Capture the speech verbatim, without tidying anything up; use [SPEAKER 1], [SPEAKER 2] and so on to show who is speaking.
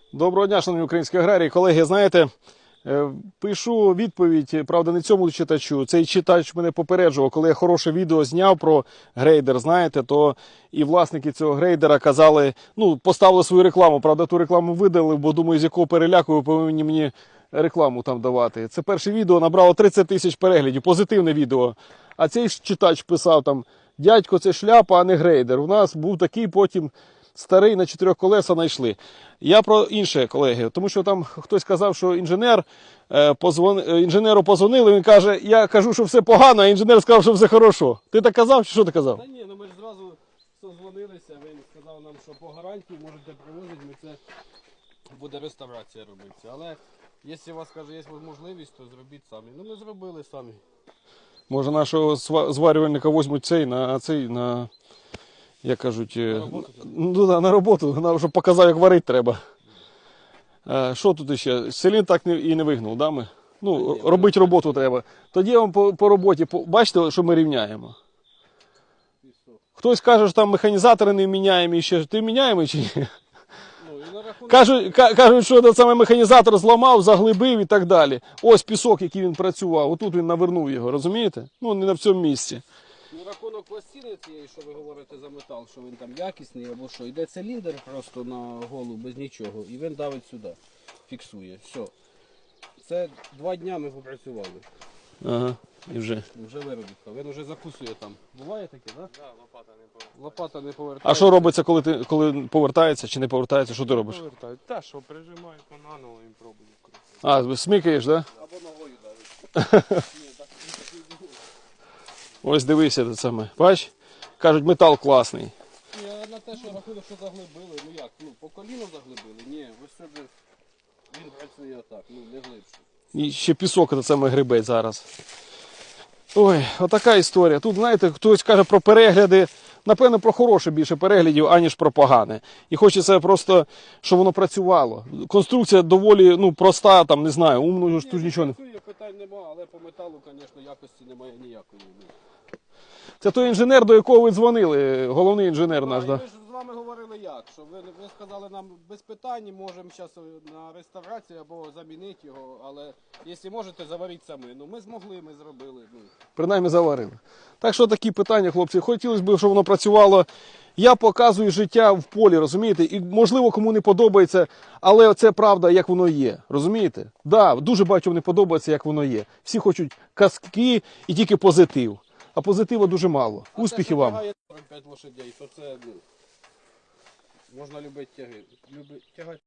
[SPEAKER 1] Доброго дня, шановні українські аграрії. Колеги, знаєте, пишу відповідь, правда, не цьому читачу. Цей читач мене попереджував, коли я хороше відео зняв про грейдер, знаєте, то і власники цього грейдера казали, ну, поставили свою рекламу. Правда, ту рекламу видали, бо думаю, з якого переляку ви повинні мені рекламу там давати. Це перше відео набрало тридцять тисяч переглядів, позитивне відео. А цей читач писав там, дядько, це шляпа, а не грейдер. У нас був такий потім... Старий на чотирьох колеса знайшли. Я про інше, колеги, тому що там хтось казав, що інженер, е, позвон... інженеру позвонили, він каже, я кажу, що все погано, а інженер сказав, що все хорошо. Ти так казав, чи що ти казав?
[SPEAKER 2] Та ні, ну ми ж зразу созвонилися, він сказав нам, що по гарантії можете привозити, ми це буде реставрація робитися. Але якщо у вас, каже, є можливість, то зробіть самі. Ну ми зробили самі.
[SPEAKER 1] Може нашого зварювальника візьмуть цей, на цей, на... Як кажуть,
[SPEAKER 2] На роботу,
[SPEAKER 1] ну, да, на роботу, щоб показав, як варити треба. А, що тут ще? Селін так не, і не вигнув, да, ми? Ну, ні, робити роботу треба. Тоді я вам по, по роботі, по, бачите, що ми рівняємо? Хтось каже, що там механізатори не міняємо, і ще. Ти міняємо чи ні? Ну, і на рахунок... Кажуть, кажуть, що той самий механізатор зламав, заглибив і так далі. Ось пісок, який він працював, отут він навернув його, розумієте? Ну, не на цьому місці.
[SPEAKER 2] На рахунок пластини цієї, що ви говорите за метал, що він там якісний або що, йде циліндр просто на голову без нічого і він давить сюди, фіксує. Все. Це два дня ми попрацювали.
[SPEAKER 1] Ага, і вже.
[SPEAKER 2] Вже виробітка. Він вже закусує там. Буває таке, так? Да?
[SPEAKER 3] Так, да, лопата не повертається.
[SPEAKER 2] Лопата не повертається.
[SPEAKER 1] А що робиться, коли ти коли повертається чи не повертається? Що ти робиш?
[SPEAKER 3] Повертають. Та, що прижимають наново і пробують.
[SPEAKER 1] А, смикаєш, так? Да?
[SPEAKER 2] Або ногою давить.
[SPEAKER 1] Ось дивися це саме. Бач? Кажуть, метал класний.
[SPEAKER 2] Ні, а на те, що рахунок, що заглибили, ну як, ну по коліну заглибили? Ні, ось сюди він працює отак, ну не глибше.
[SPEAKER 1] І ще пісок це саме грибець зараз. Ой, отака історія. Тут, знаєте, хтось каже про перегляди. Напевно, про хороше більше переглядів, аніж про погане. І хочеться просто, щоб воно працювало. Конструкція доволі, ну, проста, там, не знаю, умно ж тут нічого не...
[SPEAKER 2] Працює, питань немає, але по металу, звісно, якості немає ніякої.
[SPEAKER 1] Це той інженер, до якого ви дзвонили, головний інженер наш,
[SPEAKER 2] так?
[SPEAKER 1] да?
[SPEAKER 2] Ми ж з вами говорили як, що ви, ви сказали нам без питань, можемо зараз на реставрацію або замінити його, але якщо можете, заваріть самі. Ну ми змогли, ми зробили. Ну.
[SPEAKER 1] Принаймні заварили. Так що такі питання, хлопці, хотілося б, щоб воно працювало. Я показую життя в полі, розумієте? І можливо кому не подобається, але це правда, як воно є. Розумієте? Так, да, дуже багатьом не подобається, як воно є. Всі хочуть казки і тільки позитив. А позитиву дуже мало.
[SPEAKER 2] А
[SPEAKER 1] Успіхів
[SPEAKER 2] те,
[SPEAKER 1] вам.
[SPEAKER 2] сорок п'ять лошадей, то це ну, можна любити тяги. Люби, тягати.